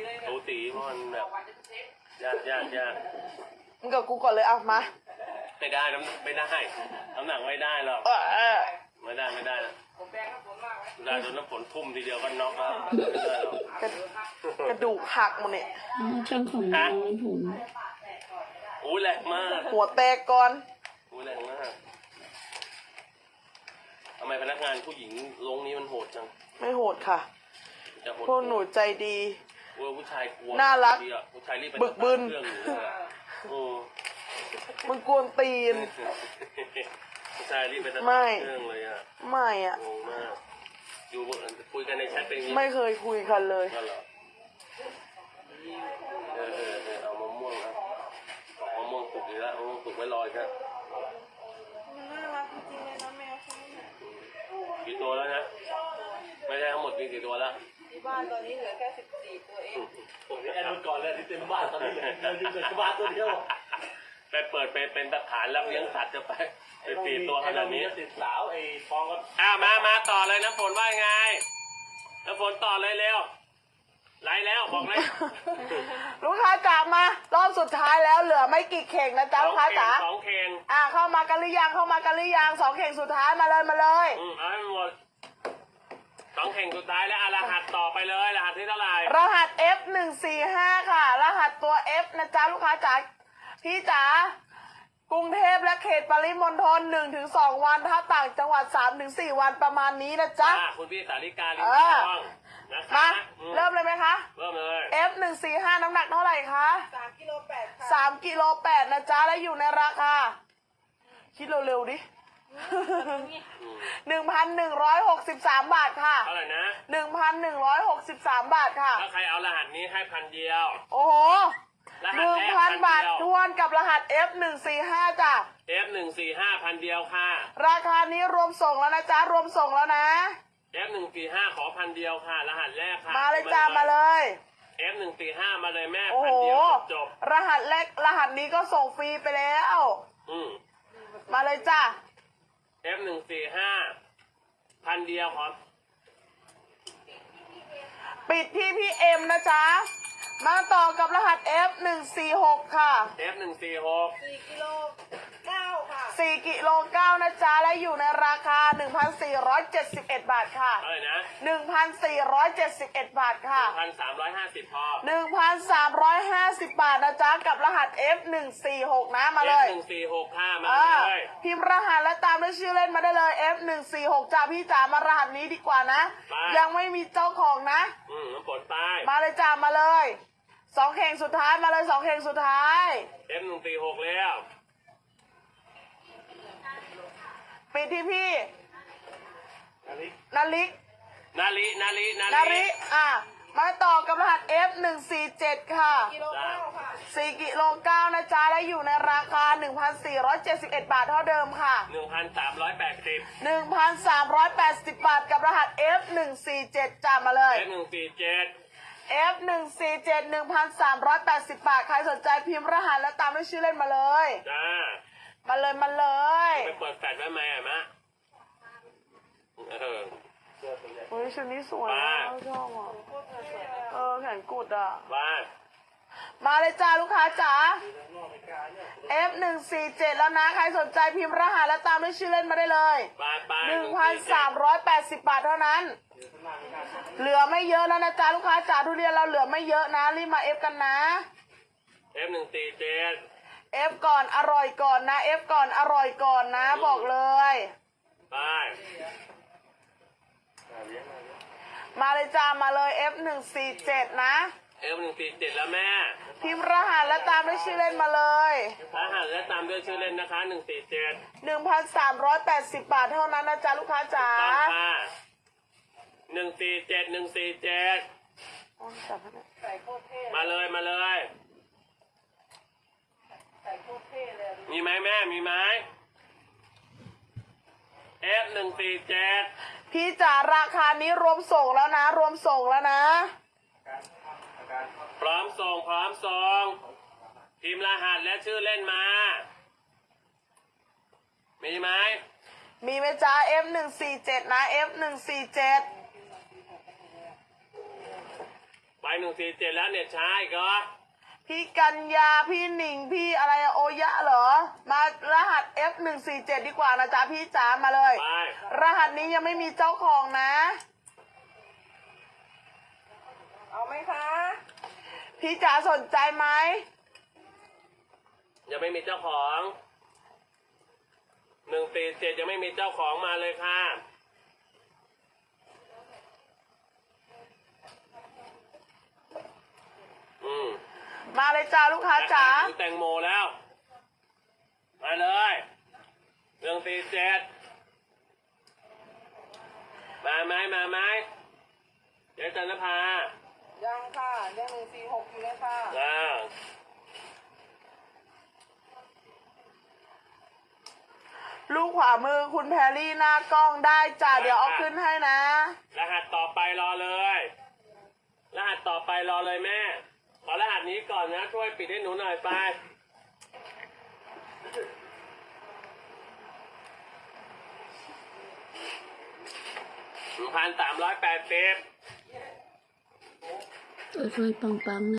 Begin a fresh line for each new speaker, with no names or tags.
สูสีเพราะมันแบบยาก
มึงกับกูก่อนเลยเอามา
ไม่ได้ไม่ได้น้ำหนักไม่ได้หรอกไม่ได้นะได้โดนน้ำฝนทุ่มทีเดียวก็น็อกแล้วไม่ได้หรอก
กระดูกหักหมดเนี่ย
ช่างของน้องผม
อู้แรงมาก
หัวแตกก่อน
อู้แรงมากทำไมพนักงานผู้หญิงลงนี้มันโหดจัง
ไม่โหดค่ะพวกหนูใจดี
ผู้ชายกลัว
น่ารัก
ผู้ชายรีบไป
บึกบึนมึงกวนตีน
ผู้ชายรีบไปตัดเครื่องเลยอ่ะ
ไม่อ่ะ
งงมากอยู่คุยกันในแชทเป็นยังไง
ไม่เคยคุยกันเลย
เอามะม่วงนะมะม่วงสุกดีแล้วมะม่วงสุกไม่ลอยครับ
มันน่ารักจริงๆเลยนะแมวเขาเนี่ย
กี่ตัวแล้วนะไม่ใช่ทั้งหมดมีกี่ตัวแล้ว
ที่บ้านตอนนี้เหลือแค่14ตัวเอง
ผมแอนก่อนเลยที่เต็มบ้านตอนนี้เหลือบ้านตัวเดียวไปเปิดเป็นตะขานแล้วเลี้ยงสัตว์จะไป4 ตัวขนาดนี้ติดสาวไอ้ฟองก็มาต่อเลยน้ำฝนว่าไงน้ำฝนต่อเลยเร็วไล่แล้วบอกเลย
ลูกค้าจ๋ามารอบสุดท้ายแล้วเหลือไม่กี่เข่งนะจ๊ะลูกค้าจ๋า
2 เข่ง
เข้ามากันหรือยัง2 เข่งสุดท้ายมาเลย
เอาให้หมด2 เข่งสุดท้ายแล้วรหัสต่อไปเลยรหัสที่เท่าไหร่
รหัส F145 ค่ะรหัสตัว F นะจ๊ะลูกค้าจ๋าพี่จ๋ากรุงเทพและเขตปริมณฑล 1-2 วันถ้าต่างจังหวัด 3-4 วันประมาณนี้นะจ๊ะ
คุณพี่สาริกาลิมทอง
มาเริ่มเลยไหมคะ
เริ่มเลย
F145 น้ำหนักเท่าไหร่คะ3 กิโล 8ค่ะ3 กิโล 8นะจ๊ะและอยู่ในราคาคิดเร็วๆดิ1,163 บาทค่ะ
เท่าไหร่นะ
1,163 บาทค่ะ
ถ้าใครเอารหัสนี้ให้1,000 เดียว
โอ้โห1,000 บาททวนกับรหัส F145 จ้ะ
F145 1,000 เดียวค่ะ
ราคานี้รวมส่งแล้วนะจ๊ะรวมส่งแล้วนะ
F145 ขอ1,000 เดียวค่ะรหัสแรกค่ะ
มาเลยจ้ามาเลย
F145 มาเลยแม่
1,000 เดียวจบรหัสแรกรหัสนี้ก็ส่งฟรีไปแล้วมาเลยจ้า
F145 1,000 เดียวขอ
ปิดที่พี่เอ็มนะจ๊ะมาต่อกับรหัส F146 ค่ะ
F146
4 กิโล 9 ค่ะ4 กิโล 9นะจ๊ะและอยู่ในราคา 1,471 บาทค่ะ
อะไรนะ
1,471 บาทค่ะ
1,350 พอ
1,350 บาทนะจ๊ะกับรหัส F146 นะมาเลย
F146 ค่ะมาเลย
พิมพ์รหัสและตามด้วยชื่อเล่นมาได้เลย F146 จ้าพี่จ๋ามารหัสนี้ดีกว่านะยังไม่มีเจ้าของนะ
น้ำฝนตาย
มาเลยจ้ามาเลย2 เข่งสุดท้ายมาเลย2 เข่งสุดท้าย
F146 แล้ว
ปิดที่พี่นาลิมาต่อกับรหัส F147 ค่ะ4 กิโล 9นะจ๊ะและอยู่ในราคา 1,471 บาทเท่าเดิมค่ะ 1,380 บาทกับรหัส F147 จ้ามาเลย F147 1,380 บาทใครสนใจพิมพ์รหัสและตามด้วยชื่อเล่นมาเลยมาเลย
ไปเปิดแฟลชไว้ไหมมะ
เฮ้ยชุดนี้สวยนะชอบอ่ะแขนกุดอ่ะมาเลยจ้าลูกค้าจ๋า F147 แล้วนะใครสนใจพิมพ์รหัสและตามด้วยชื่อเล่นมาได้เลย 1,380 บาทเท่านั้นเหลือไม่เยอะแล้วนะจ๊ะลูกค้าจ๋าทุเรียนเราเหลือไม่เยอะนะรีบมา F กันนะ
F147
F ก่อนอร่อยก่อนนะ F ก่อนอร่อยก่อนนะบอกเลยมาเลยจ้ามาเลย F147 นะ
F147 แล้วแม่
พิมพ์รหัสและตามด้วยชื่อเล่นมาเลย
รหัสและตามด้วยชื่อเล่นนะคะ147
1,380 บาทเท่านั้นนะจ๊ะลูกค้าจ๋า
147มาเลยมีไหมแม่มีไหม F147
พี่จ๋าราคานี้รวมส่งแล้วนะรวมส่งแล้วนะ
พร้อมส่งพิมพ์รหัสและชื่อเล่นมามีไหม
จ๊ะ F147 นะ F147
ไป147แล้วเนี่ยช้าอีกเหรอ
พี่กัญญาพี่หนิงพี่อะไรโอยะเหรอ มารหัส F147 ดีกว่านะจ๊ะพี่จ๋ามาเลย
ไป
รหัสนี้ยังไม่มีเจ้าของนะ
เอาไหมคะ
พี่จ๋าสนใจไหม
ยังไม่มีเจ้าของ147ยังไม่มีเจ้าของมาเลยค่ะ
มาเลยจ้าลูกค้าจ๋า
แตงโมแล้วมาเลย147มาไหมเดี๋ยวจันทภา
ยังค่ะยัง146อยู่เลยค่ะ
ลูกขวามือคุณแพรรี่หน้ากล้องได้จ้าเดี๋ยวเอาขึ้นให้นะ
รหัสต่อไปรอเลย รหัสต่อไปรอเลยแม่ ขอรหัสนี้ก่อนนะช่วยปิดให้หนูหน่อยไป1,380
ช่วยปังๆนะ